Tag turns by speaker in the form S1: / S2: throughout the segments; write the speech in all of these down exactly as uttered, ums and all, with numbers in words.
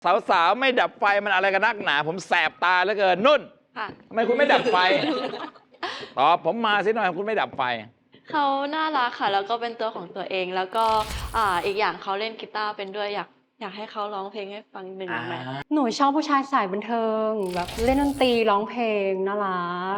S1: สาวๆไม่ดับไฟมันอะไรกันนักหนาผมแสบตาเหลือเกินนุ่นทำไมคุณไม่ดับไฟตอบผมมาสิหน่อยคุณไม่ดับไฟ
S2: เขาน่ารักค่ะแล้วก็เป็นตัวของตัวเองแล้วก็อ่าอีกอย่างเขาเล่นกีตาร์เป็นด้วยอยากอยากให้เขาร้องเพลงให้ฟังหนึ่งไหม
S3: หนูชอบผู้ชายสายบันเทิงแบบเล่นดนตรีร้องเพลงน่ารัก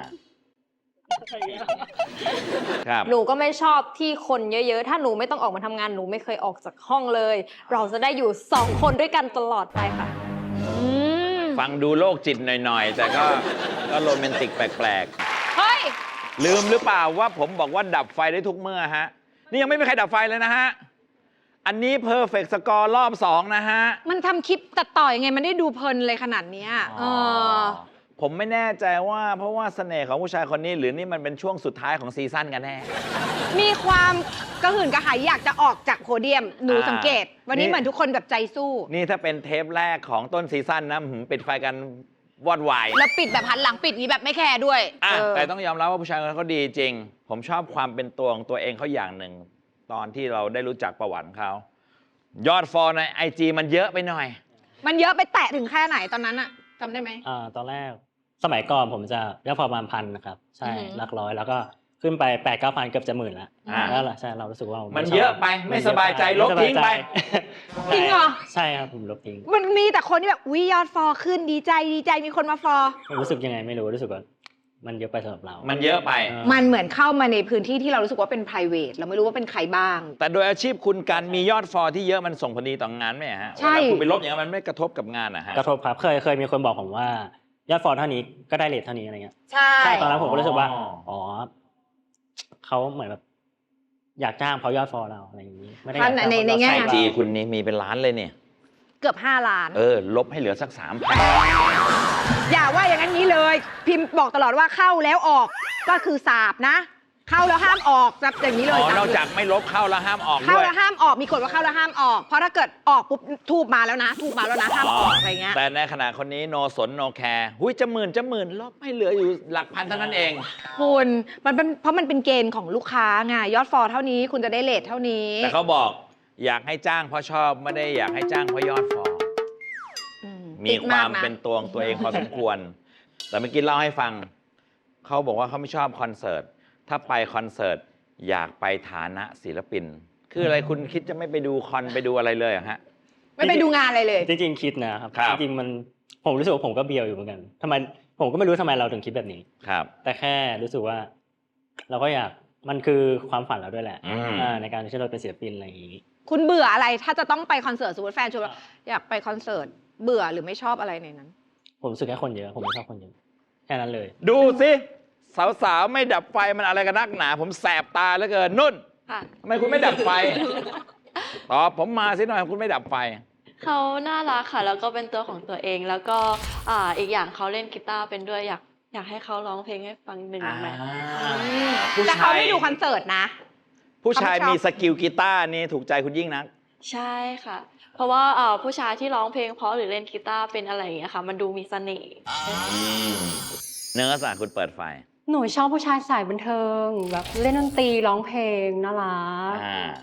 S1: ครับ
S4: หนูก็ไม่ชอบที่คนเยอะๆถ้าหนูไม่ต้องออกมาทำงานหนูไม่เคยออกจากห้องเลยเราจะได้อยู่สองคนด้วยกันตลอดไปค่ะ
S1: ฟังดูโรคจิตหน่อยๆแต่ก็ก็โรแมนติกแปลก
S4: เฮ้ย
S1: ๆลืมหรือเปล่าว่าผมบอกว่าดับไฟได้ทุกเมื่อฮะนี่ยังไม่มีใครดับไฟเลยนะฮะอันนี้เพอร์เฟกต์สกอร์รอบสองนะฮะ
S5: มันทำคลิปตัดต่อยังไงมันได้ดูเพลินเลยขนาดนี้เออ
S1: ผมไม่แน่ใจว่าเพราะว่าเสน่ห์ของผู้ชายคนนี้หรือนี่มันเป็นช่วงสุดท้ายของซีซั่นกันแน่
S5: มีความกระหื่นกระหายอยากจะออกจากโพเดียมหนูสังเกตวันนี้เหมือนทุกคนแบบใจสู้
S1: นี่ถ้าเป็นเทปแรกของต้นซีซั่นนะปิดไฟกันวอดวาย
S5: แล้วปิดแบบหันหลังปิดนี้แบบไม่แคร์ด้วย
S1: แต่ต้องยอมรับว่าผู้ชายคนนั้นเขาดีจริงผมชอบความเป็นตัวของตัวเองเขาอย่างหนึ่งตอนที่เราได้รู้จักประวัติเขายอดฟอลในไอจีมันเยอะไปหน่อย
S5: มันเยอะไปแตะถึงแค่ไหนตอนนั้นอะจำได้ไหม
S6: อ่าตอนแรกสมัยก่อนผมจะยอดฟอลประมาณพันนะครับใช่หลักร้อยแล้วก็ขึ้นไปแปดเก้าพันเกือบจะหมื่นแล้วแล้วใช่เรารู้สึกว่า
S1: มันเยอะไปไม่สบายใจลบทิ้งไป
S5: จริงเหรอ
S6: ใช่ครับผมลบทิ้ง
S5: มันมีแต่คนที่แบบวิยอดฟอลขึ้นดีใจดีใจมีคนมาฟอล
S6: รู้สึกยังไงไม่รู้รู้สึกว่ามันเยอะไปสำหรับเรา
S1: มันเยอะไป
S5: มันเหมือนเข้ามาในพื้นที่ที่เรารู้สึกว่าเป็น private เราไม่รู้ว่าเป็นใครบ้าง
S1: แต่โดยอาชีพคุณการมียอดฟอลที่เยอะมันส่งผลดีต่องานไหมฮะ
S5: ใช่
S1: คุณไปลบอย่างนั้นมันไม่กระทบกับงานอะฮะ
S6: กระทบครับเคยเคยมีคนบอกผมว่ายอดฟอลเท่านี้ก็ได้เรทเท่านี้อะไรเงี้ย
S5: ใช่
S6: ตอนนั้นผมก็รู้สึกว่าอ๋อเขาเหมือนแบบอยากจ้างเพราะยอดฟอลเราอะไรอย่างนี้ไม่ได้
S5: ในในแง่
S1: ไอจีคุณนี่มีเป็นล้านเลยเนี่ย
S5: เกือบห้าล้าน
S1: เออลบให้เหลือสักสามพัน
S5: อย่าว่าอย่างนั้นนี้เลยพิมพ์บอกตลอดว่าเข้าแล้วออกก็คือสาบนะเข้าแล้วห้ามออกจับอย่างนี้เลย
S1: อ๋อนอกจากไม่ลบเข้าแล้วห้ามออกด้วย
S5: เข้าแล้วห้ามออกมีกฎว่าเข้าแล้วห้ามออกเพราะถ้าเกิดออกปุ๊บทูบมาแล้วนะทูบมาแล้วนะห้ามออกอะไรเงี้ย
S1: แต่ในขณะคนนี้โนสนโนแคร์หุ้ยจะหมื่นจะหมื่นลบให้เหลืออยู่หลักพันเท่านั้นเอง
S5: คุณมันเป็นเพราะมันเป็นเกณฑ์ของลูกค้าไงยอดฟอลเท่านี้คุณจะได้เรทเท่านี้
S1: แต่เขาบอกอยากให้จ้างเพราะชอบไม่ได้อยากให้จ้างเพราะยอดฟอลมีความเป็นตัวของตัวเองพอสมควรแต่เมื่อกี้เล่าให้ฟังเขาบอกว่าเขาไม่ชอบคอนเสิร์ตถ้าไปคอนเสิร์ตอยากไปฐานะศิลปินคืออะไรคุณคิดจะไม่ไปดูคอนไปดูอะไรเลยอะฮะ
S5: ไม่ไปดูงานอะไรเลย
S6: จริงๆคิดนะครับจริงๆมันผมรู้สึกว่าผมก็เบียวอยู่เหมือนกันทำไมผมก็ไม่รู้ทำไมเราถึงคิดแบบนี้
S1: ครับ
S6: แต่แค่รู้สึกว่าเราก็อยากมันคือความฝันเราด้วยแหละในการที่เราเป็นศิลปินอะไรอย่างนี้
S5: คุณเบื่ออะไรถ้าจะต้องไปคอนเสิร์ตสมมติแฟนชวนว่าอยากไปคอนเสิร์ตเบื่อหรือไม่ชอบอะไรในนั้น
S6: ผมรู้สึกแค่คนเยอะผมไม่ชอบคนเยอะแค่นั้นเลย
S1: ดูสิสาวๆไม่ดับไฟมันอะไรกันนักหนาผมแสบตาเหลือเกินนุ่นทำไมคุณไม่ดับไฟตอบผมมาสิหน่อยคุณไม่ดับไฟ
S2: เขาน่ารักค่ะแล้วก็เป็นตัวของตัวเองแล้วก็อ่าอีกอย่างเขาเล่นกีตาร์เป็นด้วยอยากอยากให้เขาร้องเพลงให้ฟังหนึ่งไหม
S5: แต่เขาไม่ดูคอนเสิร์ตนะ
S1: ผู้ชายมีสกิลกีตาร์นี่ถูกใจคุณยิ่งนัก
S2: ใช่ค่ะเพราะว่าผู้ชายที่ร้องเพลงเพราะหรือเล่นกีตาร์เป็นอะไรอย่างเงี้ยค่ะมันดูมีเสน่ห์
S1: เนื้อสารคุณเปิดไฟ
S3: หนูชอบผู้ชายสายบันเทิงแบบเล่นดนตรีร้องเพลงน่ารัก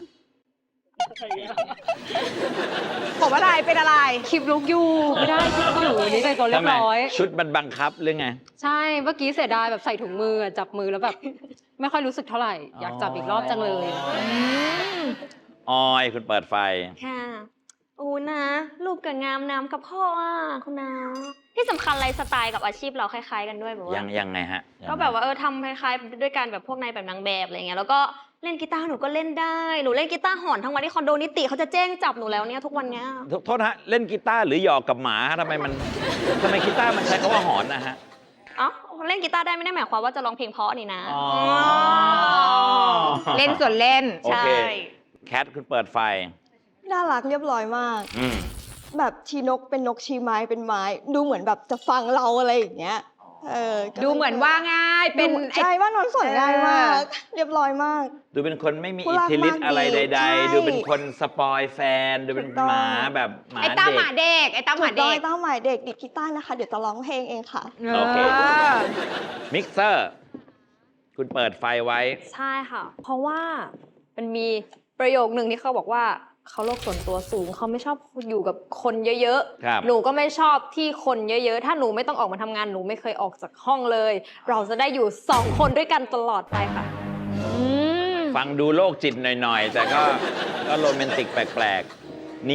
S5: ผมอะไรเป็นอะไร
S3: คลิปลุกอยู่ไม่ได้คลิปอยู่นี่ใส่ตัวเรียบร้อย
S1: ชุดมันบังคับหรือไง
S3: ใช่เมื่อกี้เสียดายแบบใส่ถุงมือจับมือแล้วแบบไม่ค่อยรู้สึกเท่าไหร่อยากจับอีกรอบจังเลย
S1: ออยคุณเปิดไฟ
S4: ค่ะโอ้นะลูกกับงามน้ำกับพ่ออ่ะคุณนาที่สำคัญไลฟ์สไตล์กับอาชีพเราคล้ายๆกันด้วยแบบว่า
S1: ยังยังไงฮะ
S4: ก็แบบว่าเออทำคล้ายๆด้วยกันแบบพวกนายแบบนางแบบอะไรเงี้ยแล้วก็เล่นกีตาร์หนูก็เล่นได้หนูเล่นกีตาร์หอนทั้งวันที่คอนโดนิติเขาจะแจ้งจับหนูแล้วเนี่ยทุกวันเนี้ย
S1: โทษฮะเล่นกีตาร์หรือหยอกกับหมาทำไมมันทำไมกีตาร์มันใช้คำว่าหอนนะฮะ
S4: อ๋อเล่นกีตาร์ได้ไม่ได้หมายความว่าจะร้องเพลงเพราะนี่นะ
S5: เล่นส่วนเล่น
S4: ใช่
S1: แคทคุณเปิดไฟ
S7: น่ารักเรียบร้อยมากแบบชีนกเป็นนกชีไม้เป็นไม้ดูเหมือนแบบจะฟังเราอะไรอย่างเงี้ยเออ
S5: ดูเหมือนว่าง่ายเป็น
S7: ใช่ว่านอนสนง่ายมากเรียบร้อยมาก
S1: ดูเป็นคนไม่มีอิทธิฤทธิ์อะไรใดๆดูเป็นคนสปอยแฟนดูเป็นหมาแบบหมาเด็ก
S5: ไอ้ต้าหมาเด็กไอ้ต้าหมาเด็ก
S7: ไอ้ต้าหมาเด็กดิดกีตาร์นะคะเดี๋ยวจะร้องเพลงเองค่ะ
S1: โอเคมิกเซอร์คุณเปิดไฟไว้
S4: ใช่ค่ะเพราะว่ามันมีประโยคหนึ่งที่เขาบอกว่า
S8: เขาโลกส่วนตัวสูงเขาไม่ชอบอยู่กับคนเยอะ
S1: ครับ
S8: ๆหนูก็ไม่ชอบที่คนเยอะๆถ้าหนูไม่ต้องออกมาทำงานหนูไม่เคยออกจากห้องเลย เราจะได้อยู่สองคนด้วยกันตลอดไปค่ะ
S1: ฟังดูโรคจิตหน่อยๆ แต่ก็ก็โรแมนติกแปลกๆ